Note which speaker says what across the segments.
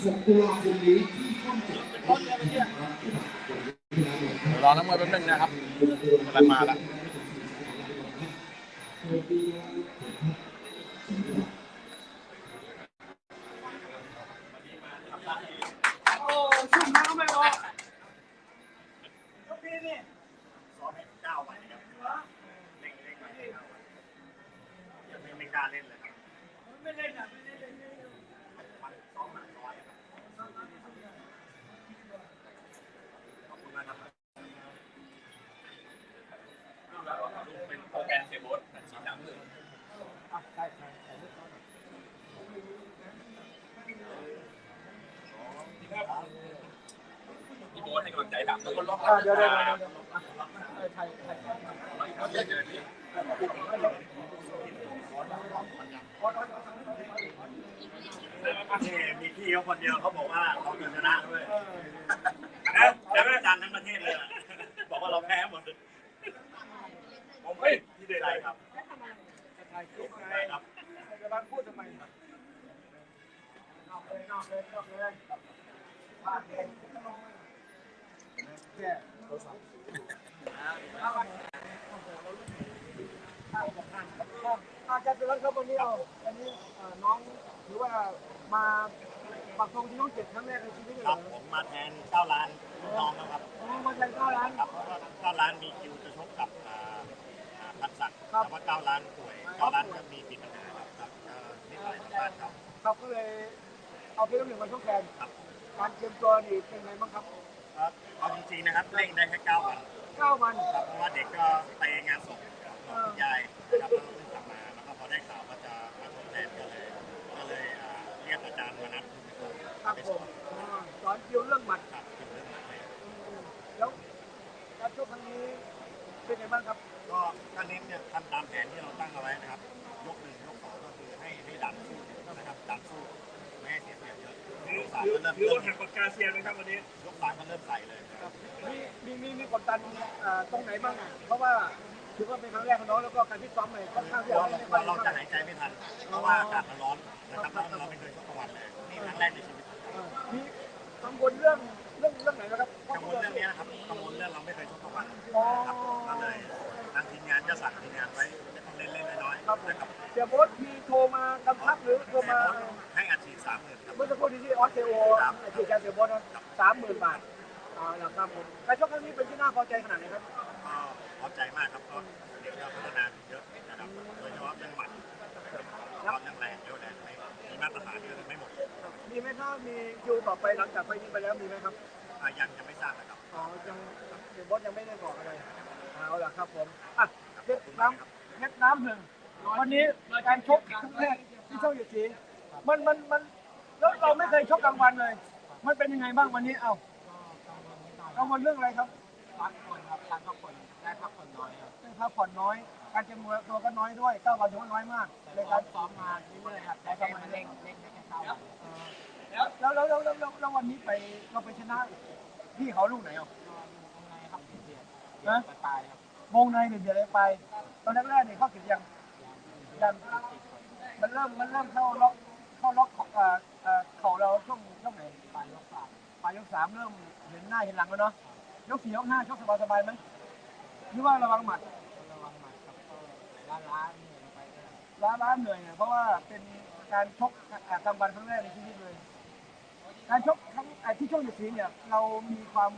Speaker 1: ตุลาคมนี้
Speaker 2: รอน้ำมือแป๊บนึงนะครับกำลังมาแล้ว
Speaker 3: โอ้ชุ่มน้ำไม่พอพี่นี่
Speaker 4: ซ้อมให้9 วันนะครับเร่งมาให้9 วันยังไม่กล้าเล่นเลยครับ
Speaker 3: ไม่เล่นอ่ะไม่เล่น
Speaker 4: มันซ้อมหนักน้อยครับขอบคุณมากครับเป็นโปรแกรมเซโบสสีดำเลย
Speaker 3: ใช่
Speaker 4: พี่โบ๊ทให้กำลังใจดำแล้วก็ล็อก
Speaker 3: เดี๋ยวไทย
Speaker 4: มีพี่เขาคนเดียวเขาบอกว่าเราชนะด้วยนะเดี๋ยวอาจารย์ทั้งประเทศเลยบอกว่าเราแพ้หมดผมไม่ที่ใดๆครับ
Speaker 3: ไทย
Speaker 4: ครับ
Speaker 3: จะมาพูดทำไมนอกเลยพลาดเองแค่โทรศัพท์อาจารย์เป็นรัฐครับวันนี้วันนี้น้องถือว่ามาปักธงที่น้องเจ็ดครั้งแรกในชีวิตเลย
Speaker 4: ครับผมมาแทน9 ล้านน้องนะครับ
Speaker 3: มาแทน9 ล้าน
Speaker 4: ครับเพราะว่า9 ล้านมีคิวจะชกกับพันศักดิ์แต่ว่า9 ล้านป่วย9 ล้านก็มีปิดปัญหาครับนิดหน่อยทางบ้านเขา
Speaker 3: ครับก็เลยเอาเพชรน้ำหนึ่งมาชกแทนการเตรียมตัวนี่เป็นไงบ้างครับ
Speaker 4: เอาจริงๆนะครับเร่งได้แค่9 วัน
Speaker 3: 9 วัน
Speaker 4: ครับเพราะว่าเด็กก็ไปงานศพของคุณยายนะครับแล้วก็เพิ่งกลับมาแล้วก็พอได้ข่าวว่าจะมาชกแทนก็เลยเรียกอาจารย์มานัด
Speaker 3: ครับผมสอนคิวเรื่องหมัด
Speaker 4: ครับเป็นเรื่องใหม่
Speaker 3: แล้วการชกครั้งนี้เป็นไงบ้างครับ
Speaker 4: ก็เน้นเนี่ยทำตามแผนที่เราตั้งเอาไว้นะครับยก 1 ยก 2ก็คือให้ดันสู้นะครับดันสู้ไม่ให้เสียเปรียบเยอะยก 3ก็
Speaker 3: หรือ
Speaker 4: เริ่ม
Speaker 3: ว่าหักปากกาเซียนนะครับวันนี้
Speaker 4: ยก 3ก็เริ่มใส่เลย
Speaker 3: มีกดดันตรงไหนบ้างเพราะว่าถือว่าเป็นครั้งแรกของน้องแล้วก็การที่ซ้อมใหม่ค่อนข้างที่
Speaker 4: เราจะหายใจไม่ทันเพราะว่าอากาศมันร้อนนะครับเราไม่เคยชกกลางวันเลยนี่ครั้งแรกในชีวิต
Speaker 3: มีกังวลเรื่องไหนนะครับ
Speaker 4: กังวลเรื่องนี้นะครับกังวลเรื่องเราไม่เคยชกกลางวันครับก็เลยทางทีมงานจะสั่งทีมงานไว้จะต้องเล่นน้อยๆนะครับ
Speaker 3: เดี๋ยวโบ๊ทมีโทรมากำชับหรือโทรมา
Speaker 4: ให้อัดฉีด30,000ครับ
Speaker 3: เมื่อสักครู่ที่ออสเตรเลียที่การเสียโบ๊ทนะ30,000 บาทแล้วครับผมการชกครั้งนี้เป็นที่น่าพอใจขนาดไหนครับ
Speaker 4: พอใจมากครับก็เด็กเราพัฒนาเยอะนะครับโดยเฉพาะเรื่องหมัดเรื่องแรงเยอะแรงมีมาตรฐานเยอะไม่หมด
Speaker 3: มีไหมถ้ามีคิวต่อไปหลังจากไฟนี้ไปแล้วมีไหมครับ
Speaker 4: ยังไม่ทราบนะครับ
Speaker 3: ยังเสียโบ๊ทยังไม่ได้บอกอะไรเอาล่ะครับผมเพชรน้ำหนึ่งวันนี้การชกครั้งแรกที่ช่องอยู่จีมันแล้วเราไม่เคยชกกลางวันเลยมันเป็นยังไงบ้างวันนี้กังวลเรื่องอะไรครับ
Speaker 5: พักผ่อนครับการพักผ่อนได้พักผ่อนน้อยครับ
Speaker 3: ได้พักผ่อนน้อยการเตรียมตัวก็น้อยด้วย9 วันถือว่าน้อยมาก
Speaker 5: ในการซ้อมมาเรื่อยๆครับได้แค่มาเร่งได้แค่9 วัน
Speaker 3: แล้ววันนี้เราไปชนะพี่เขาลูกไหน
Speaker 5: วงในครับเดียดปลายครับ
Speaker 3: วงในเดือดไปตอนแรกเนี่ยเขาเก็บยังมันเริ่มเข้าล็อกเข่าเราช่วงไหน
Speaker 5: ปลายยก 3
Speaker 3: เริ่มเห็นหน้าเห็นหลังแล้วเนาะยก 4 ยก 5ชกสบายไหมหรือว่าระวังหมัด
Speaker 5: ครับก็ล้าเหนื่อยไป
Speaker 3: ล้าเหนื่อยเนี่ยเพราะว่าเป็นการชกกลางวันครั้งแรกในชีวิตเลยการชกทั้งที่ช่วงอยู่สีเนี่ยเรามีความ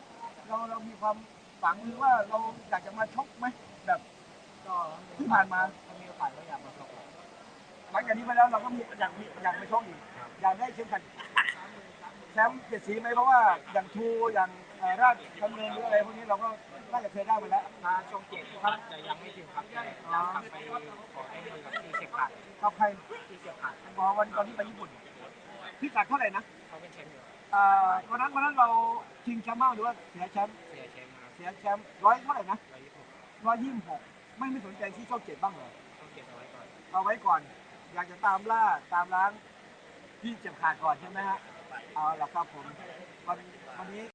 Speaker 3: ฝังหรือว่าเราอยากจะมาชกไหมแบบ
Speaker 5: ก็
Speaker 3: ที่ผ่านมา
Speaker 5: มีโอกาสก็อยากมาชก
Speaker 3: หลังจากนี้ไปแล้วเราก็อยากไปชกอีกอยากได้เข็มขัดแชมป์7 สีไหมเพราะว่าอย่างทูอย่างราชดำเนินหรืออะไรพวกนี้เราก็น่าจะเคยได้มาแล้ว
Speaker 5: มาช่วง7ครับจะยังไม่ถึงครับจะกลับไปขอได้มือกับที่เชียงขาด
Speaker 3: กับใคร
Speaker 5: ที่เชียงขาด
Speaker 3: วันตอนนี้ไปญี่ปุ่นพี่กัดเท่าไหร่นะ
Speaker 5: เขาเป็นแชมป์อยู่
Speaker 3: วันนั้นเราชิงแชมป์หรือว่าเสียแชมป์ร้อยเท่าไหร่นะ126ไม่สนใจที่ช่อง7บ้างเหรอ
Speaker 5: ช่อง7
Speaker 3: เอาไว้ก่อนอยากจะตามล้างพี่เจ็บขาดก่อนใช่ไหมฮะเอาล่ะครับผมวันนี้